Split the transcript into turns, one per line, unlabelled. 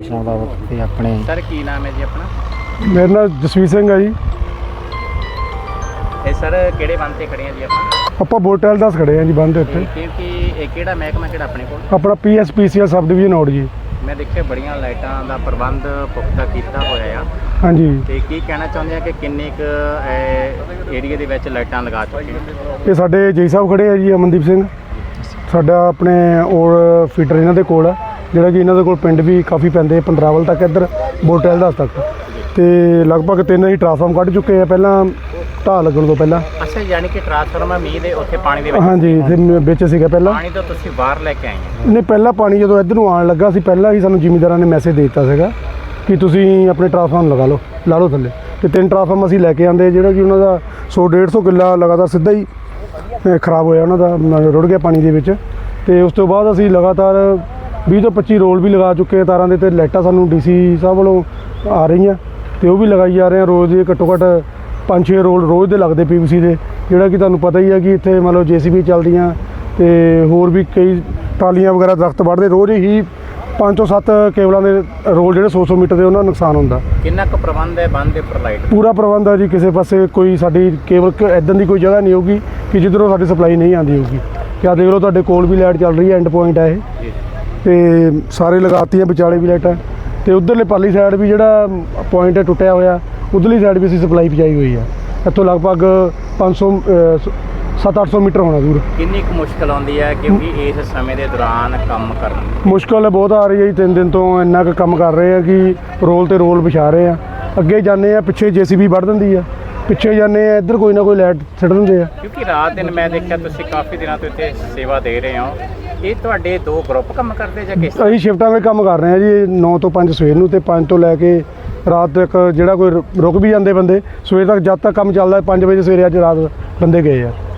अपने
सर की नाम है जी अपना?
मेरा नाम जसवीर सिंह है जी।
ਇਹ ਸਰ ਕਿਹੜੇ ਬੰਦ ਤੇ ਖੜੇ ਆ ਜੀ
ਆਪਾਂ ਬੋਟਲ 10 ਖੜੇ ਆ ਜੀ ਬੰਦ ਉੱਤੇ,
ਕਿਉਂਕਿ ਇਹ ਕਿਹੜਾ ਮਹਿਕਮਾ ਕਿਹੜਾ ਆਪਣੇ ਕੋਲ?
ਆਪਣਾ PSPCL ਸਬ ਡਿਵੀਜ਼ਨ ਔੜ ਜੀ।
ਮੈਂ ਦੇਖਿਆ ਬੜੀਆਂ ਲਾਈਟਾਂ ਦਾ ਪ੍ਰਬੰਧ ਪੁਖਤਾ ਕੀਤਾ ਹੋਇਆ ਆ,
ਹਾਂਜੀ।
ਤੇ ਕੀ ਕਹਿਣਾ ਚਾਹੁੰਦੇ ਆ ਕਿ ਕਿੰਨੇ ਕੁ ਏਰੀਆ ਦੇ ਵਿੱਚ ਲਾਈਟਾਂ ਲਗਾ ਚੁੱਕੇ ਆ?
ਇਹ ਸਾਡੇ ਜੀ ਸਾਹਿਬ ਖੜੇ ਆ ਜੀ, ਅਮਨਦੀਪ ਸਿੰਘ ਸਾਡਾ ਆਪਣੇ ਔਰ ਫੀਟਰ ਇਹਨਾਂ ਦੇ ਕੋਲ ਆ, ਜਿਹੜਾ ਕਿ ਇਹਨਾਂ ਦੇ ਕੋਲ ਪਿੰਡ ਵੀ ਕਾਫੀ ਪੈਂਦੇ ਪੰਦਰਾਵਲ ਤੱਕ, ਇੱਧਰ ਬੋਟਲ 10 ਤੱਕ, ਤੇ ਲਗਭਗ 3 ਹੀ ਟਰਾਂਸਫਾਰਮ ਕੱਢ ਚੁੱਕੇ ਆ ਪਹਿਲਾਂ ਢਾਹ ਲੱਗਣ ਤੋਂ ਪਹਿਲਾਂ।
ਅੱਛਾ, ਯਾਨੀ ਕਿ ਟਰਾਂਸਫਾਰਮਰ ਮੀਂਹ ਦੇ ਉੱਥੇ ਪਾਣੀ ਦੇ ਵਿੱਚ?
ਹਾਂਜੀ, ਇੱਥੇ ਵਿੱਚ ਸੀਗਾ ਪਹਿਲਾਂ।
ਪਾਣੀ ਤੋਂ ਤੁਸੀਂ ਬਾਹਰ ਲੈ ਕੇ ਆਏ ਆ?
ਨਹੀਂ, ਪਹਿਲਾਂ ਪਾਣੀ ਜਦੋਂ ਇੱਧਰ ਨੂੰ ਆਉਣ ਲੱਗਾ ਸੀ, ਪਹਿਲਾਂ ਹੀ ਸਾਨੂੰ ਜ਼ਿਮੀਂਦਾਰਾਂ ਨੇ ਮੈਸੇਜ ਦੇ ਦਿੱਤਾ ਸੀਗਾ ਕਿ ਤੁਸੀਂ ਆਪਣੇ ਟਰਾਂਸਫਾਰਮ ਲਗਾ ਲਓ, ਲਾ ਲਓ ਥੱਲੇ, ਤੇ 3 ਟਰਾਂਸਫਾਰਮ ਅਸੀਂ ਲੈ ਕੇ ਆਂਦੇ, ਜਿਹੜਾ ਕਿ ਉਹਨਾਂ ਦਾ 100-150 ਕਿੱਲਾ ਲਗਾਤਾਰ ਸਿੱਧਾ ਹੀ ਖਰਾਬ ਹੋਇਆ, ਉਹਨਾਂ ਦਾ ਰੁੜ ਗਿਆ ਪਾਣੀ ਦੇ ਵਿੱਚ। ਤੇ ਉਸ ਤੋਂ ਬਾਅਦ ਅਸੀਂ ਲਗਾਤਾਰ 20 ਤੋਂ 25 ਰੋਲ ਵੀ ਲਗਾ ਚੁੱਕੇ ਆ ਤਾਰਾਂ ਦੇ, ਤੇ ਲਾਈਟਾਂ ਸਾਨੂੰ DC ਸਾਹਿਬ ਵੱਲੋਂ ਆ ਰਹੀਆਂ, ਤੇ ਉਹ ਵੀ ਲਗਾਈ ਜਾ ਰਹੇ ਆ ਰੋਜ਼ ਦੇ ਘੱਟੋ ਘੱਟ 5-6 ਰੋਲ ਰੋਜ਼ ਦੇ ਲੱਗਦੇ PVC ਦੇ, ਜਿਹੜਾ ਕਿ ਤੁਹਾਨੂੰ ਪਤਾ ਹੀ ਹੈ ਕਿ ਇੱਥੇ ਮੰਨ ਲਓ JCB ਚੱਲਦੀਆਂ, ਤੇ ਹੋਰ ਵੀ ਕਈ ਟਰਾਲੀਆਂ ਵਗੈਰਾ ਦਰਖਤ ਵੱਢਦੇ, ਰੋਜ਼ ਹੀ 5 ਤੋਂ 7 ਕੇਬਲਾਂ ਦੇ ਰੋਲ ਜਿਹੜੇ 100 ਮੀਟਰ ਦੇ, ਉਹਨਾਂ ਦਾ ਨੁਕਸਾਨ ਹੁੰਦਾ।
ਕਿੰਨਾ ਕੁ ਪ੍ਰਬੰਧ ਹੈ ਬੰਦ ਦੇ ਉੱਪਰ ਲਾਈਟ?
ਪੂਰਾ ਪ੍ਰਬੰਧ ਹੈ ਜੀ, ਕਿਸੇ ਪਾਸੇ ਕੋਈ ਸਾਡੀ ਕੇਬਲ ਇੱਦਾਂ ਦੀ ਕੋਈ ਜਗ੍ਹਾ ਨਹੀਂ ਹੋਊਗੀ ਕਿ ਜਿੱਧਰੋਂ ਸਾਡੀ ਸਪਲਾਈ ਨਹੀਂ ਆਉਂਦੀ ਹੋਊਗੀ। ਕਿਆ ਦੇਖ ਲਓ, ਤੁਹਾਡੇ ਕੋਲ ਵੀ ਲਾਈਟ ਚੱਲ ਰਹੀ ਹੈ, ਐਂਡ ਪੁਆਇੰਟ ਹੈ ਇਹ, ਤੇ ਸਾਰੇ ਲਗਾਤੀਆਂ ਵਿਚਾਲੇ ਵੀ ਲਾਈਟਾਂ, ਤੇ ਉਧਰਲੇ ਪਾਲੀ ਸਾਈਡ ਵੀ ਜਿਹੜਾ ਪੁਆਇੰਟ ਹੈ ਟੁੱਟਿਆ ਹੋਇਆ, ਉਧਰਲੀ ਸਾਈਡ ਵੀ ਅਸੀਂ ਸਪਲਾਈ ਪਹੁੰਚਾਈ ਹੋਈ ਹੈ। ਇੱਥੋਂ ਲਗਭਗ 700-800 ਮੀਟਰ ਹੋਣਾ ਦੂਰ।
ਕਿੰਨੀ ਕੁ ਮੁਸ਼ਕਲ ਆਉਂਦੀ ਹੈ ਕਿਉਂਕਿ ਇਸ ਸਮੇਂ ਦੇ ਦੌਰਾਨ ਕੰਮ ਕਰਨ?
ਮੁਸ਼ਕਲ ਬਹੁਤ ਆ ਰਹੀ ਹੈ ਜੀ, 3 ਦਿਨ ਤੋਂ ਇੰਨਾ ਕੁ ਕੰਮ ਕਰ ਰਹੇ ਆ ਕਿ ਰੋਲ ਤੇ ਰੋਲ ਵਿਛਾ ਰਹੇ ਆ। ਅੱਗੇ ਜਾਂਦੇ ਆ, ਪਿੱਛੇ JCB ਵੱਢ ਦਿੰਦੀ ਆ, ਪਿੱਛੇ ਜਾਂਦੇ ਆ, ਇੱਧਰ ਕੋਈ ਨਾ ਕੋਈ ਲਾਈਟ ਛੱਡ ਦਿੰਦੇ ਆ।
ਕਿਉਂਕਿ ਰਾਤ ਦਿਨ ਮੈਂ ਦੇਖਿਆ ਤੁਸੀਂ ਕਾਫੀ ਦਿਨਾਂ ਤੋਂ ਇੱਥੇ ਸੇਵਾ ਦੇ ਰਹੇ ਹੋ, ਇਹ ਤੁਹਾਡੇ 2 ਗਰੁੱਪ ਕੰਮ ਕਰਦੇ ਜਾਂ ਕਿਸ?
ਅਸੀਂ ਸ਼ਿਫਟਾਂ ਵਿੱਚ ਕੰਮ ਕਰ ਰਹੇ ਆ ਜੀ, 9 ਤੋਂ 5 ਸਵੇਰ ਨੂੰ, ਤੇ 5 ਤੋਂ ਲੈ ਕੇ ਰਾਤ ਤੱਕ। ਜਿਹੜਾ ਕੋਈ ਰੁਕ ਵੀ ਜਾਂਦੇ ਬੰਦੇ, ਸਵੇਰ ਤੱਕ ਜਦ ਤੱਕ ਕੰਮ ਚੱਲਦਾ, 5 ਵਜੇ ਸਵੇਰੇ ਅੱਜ ਰਾਤ ਬੰਦੇ ਗਏ ਆ।